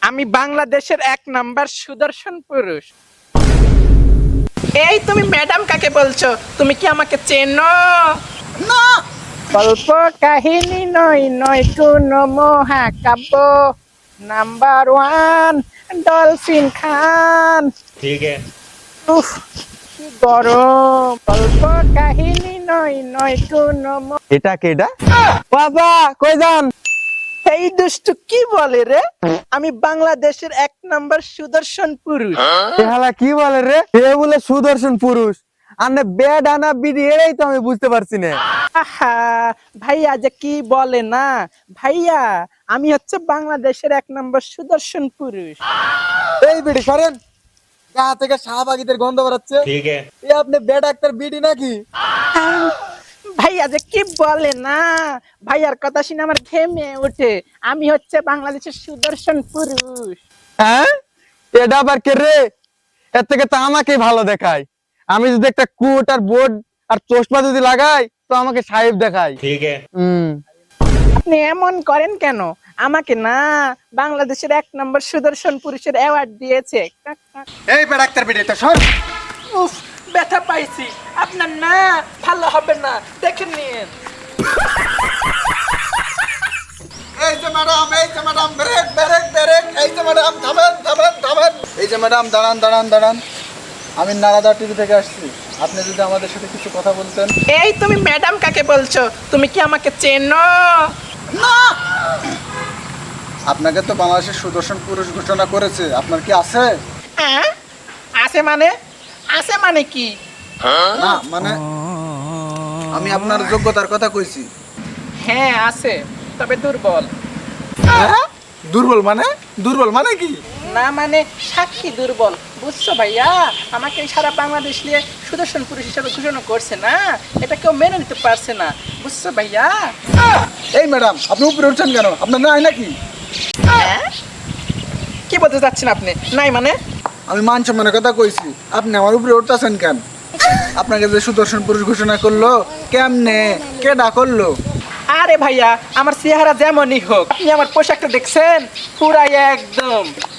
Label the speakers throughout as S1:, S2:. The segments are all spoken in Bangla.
S1: আমি বাংলাদেশের 1 নাম্বার সুদর্শন পুরুষ। এই তুমি ম্যাডাম কাকে বলছো? তুমি কি আমাকে চেনো?
S2: না।
S1: গল্প কাহিনী নয় নয় কোনো মহাকাব্য। নাম্বার 1 ডলফিন খান।
S3: ठीक है।
S1: উফ, কি গরম। গল্প কাহিনী নয় নয় কোনো
S2: এটা কেডা? বাবা কই যান?
S1: এই দুষ্টু কি বলে রে? আমি বাংলাদেশের 1 নাম্বার সুদর্শন পুরুষ।
S2: এহালা কি বলে রে? এ বলে সুদর্শন পুরুষ। আনে বেড আনা বিডি এটাই তো আমি বুঝতে পারছি না।
S1: আহা, ভাইয়া যে কি বলে না। ভাইয়া আমি হচ্ছে বাংলাদেশের 1 নাম্বার সুদর্শন পুরুষ।
S2: এই বিডি সরেন। গা থেকে শাহবাগীদের গন্ধ বেরাচ্ছে।
S3: ठीक है।
S2: এ আপনি বেড ডাক্তার বিডি নাকি?
S1: ভাইয়া যে কি বলে না। ভাইয়ার কথা শুনে আমার ঘেমে ওঠে। আমি হচ্ছে বাংলাদেশের সুদর্শন পুরুষ।
S2: হ্যাঁ? এটা আবার কে রে? এর থেকে তো আমাকেই ভালো দেখায়। আমি যদি একটা কোট আর বোর্ড আর চশমা যদি লাগাই তো আমাকে সাহেব দেখায়।
S3: ठीक है।
S1: আপনি এমন করেন কেন? আমাকে না বাংলাদেশের 1 নাম্বার সুদর্শন পুরুষের অ্যাওয়ার্ড দিয়েছে।
S2: এই বেড ডাক্তার বিডি তো সর।
S1: উফ, ব্যথা পাইছি। আপনার না ভালো হবে না, দেখে নিন।
S4: এই যে ম্যাডাম ব্রেক ব্রেক ব্রেক এই যে ম্যাডাম থামেন থামেন থামেন এই যে ম্যাডাম দাঁড়ান দাঁড়ান দাঁড়ান আমি নারাদা টিভি থেকে আসছি আপনি যদি আমাদের সাথে কিছু কথা বলতেন
S1: এই তুমি ম্যাডাম কাকে বলছো? তুমি কি আমাকে চেনো?
S4: না আপনাকে তো বাংলাদেশের সুদর্শন পুরুষ ঘোষণা করেছে আপনার কি আছে
S1: হ্যাঁ? আছে মানে? আছে মানে কি?
S4: না মানে আমি আপনার যোগ্যতার কথা কইছি
S1: হ্যাঁ আছে, তবে দুর্বল।
S4: হ্যাঁ? দুর্বল মানে কি
S1: না মানে সাক্ষী দুর্বল, বুঝছো ভাইয়া? আমাকে এই সারা বাংলাদেশ নিয়ে সুদর্শন পুরুষ হিসেবে ঘোষণা করছে না, এটা কেউ মেনে নিতে পারছে না, বুঝছো ভাইয়া?
S4: এই ম্যাডাম আপনি উপরে উঠছেন কেন আপনার নাই নাকি
S1: হ্যাঁ? কি বলতে চাচ্ছেন আপনি? নাই মানে?
S4: আমি মান সম্মানের কথা কইছি আপনি আমার উপরে উঠতেছেন কেন আপনাকে যে সুদর্শন পুরুষ ঘোষণা করলো কেমনে কেডা করলো
S1: আরে ভাইয়া, আমার চেহারা যেমনই হোক, আপনি আমার পোশাকটা দেখছেন? পুরাই একদম।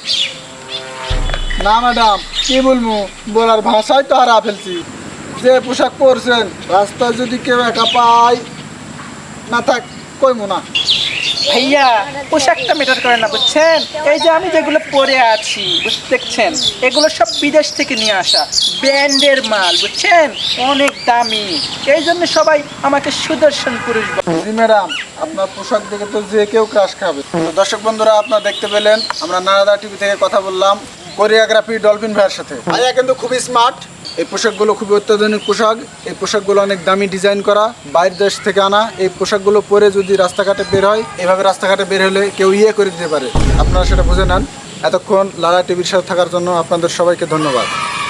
S4: না ম্যাডাম কি বলবো বলার ভাষাই তো হারা ফেলছি যে পোশাক পরছেন রাস্তায় যদি কেউ একা পায় না থাক কইমো না
S1: ভাইয়া পোশাকটা ম্যাটার করে না, বুঝছেন? এই যে আমি যেগুলো পরে আছি, দেখছেন, এগুলো সব বিদেশ থেকে নিয়ে আসা ব্র্যান্ডের মাল, বুঝছেন? অনেক দামি। এই জন্য সবাই আমাকে সুদর্শন পুরুষ বলে।
S4: জি ম্যাডাম আপনার পোশাক দেখে তো যে কেউ ক্রাশ খাবে তো দর্শক বন্ধুরা আপনারা দেখতে পেলেন আমরা নারাদা টিভি থেকে কথা বললাম কোরিওগ্রাফি ডলফিন ভাইয়ের সাথে ভাইয়া কিন্তু খুবই স্মার্ট এই পোশাকগুলো খুবই অত্যাধুনিক পোশাক এই পোশাকগুলো অনেক দামি ডিজাইন করা বাইরের দেশ থেকে আনা এই পোশাকগুলো পরে যদি রাস্তাঘাটে বের হয় এভাবে রাস্তাঘাটে বের হলে কেউ করে দিতে পারে আপনারা সেটা বুঝে নেন এতক্ষণ লালা টিভির সাথে থাকার জন্য আপনাদের সবাইকে ধন্যবাদ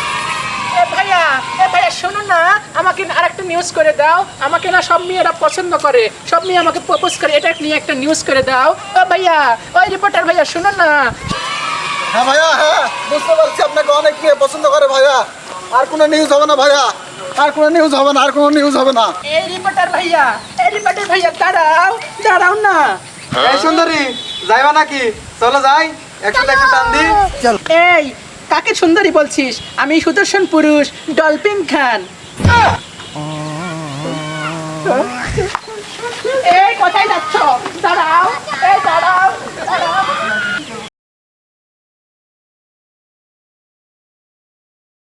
S1: এ ভাইয়া শোনো না, আমাকে আরেকটা নিউজ করে দাও। আমাকে না সব মেয়েরা পছন্দ করে, সব মেয়ে আমাকে প্রপোজ করে, এটা নিয়ে একটা নিউজ করে দাও। ও ভাইয়া, ওই রিপোর্টার ভাইয়া শোনো না।
S4: হ্যাঁ ভাইয়া হ্যাঁ বুঝতে পারছি আপনাকে অনেক মেয়ে পছন্দ করে ভাইয়া আর কোনো নিউজ হবে না ভাইয়া আর কোনো নিউজ হবে না আর কোনো নিউজ হবে না
S1: এই রিপোর্টার ভাইয়া দাঁড়াও দাঁড়াও না।
S2: এই সুন্দরী যাইবা নাকি? চলো যাই একসাথে একটা টান দি। চল।
S1: এই কাকে সুন্দরী বলছিস? আমি সুদর্শন পুরুষ ডলফিন খান। এই কোথায় যাচ্ছ? দাঁড়াও, এই দাঁড়াও দাঁড়াও।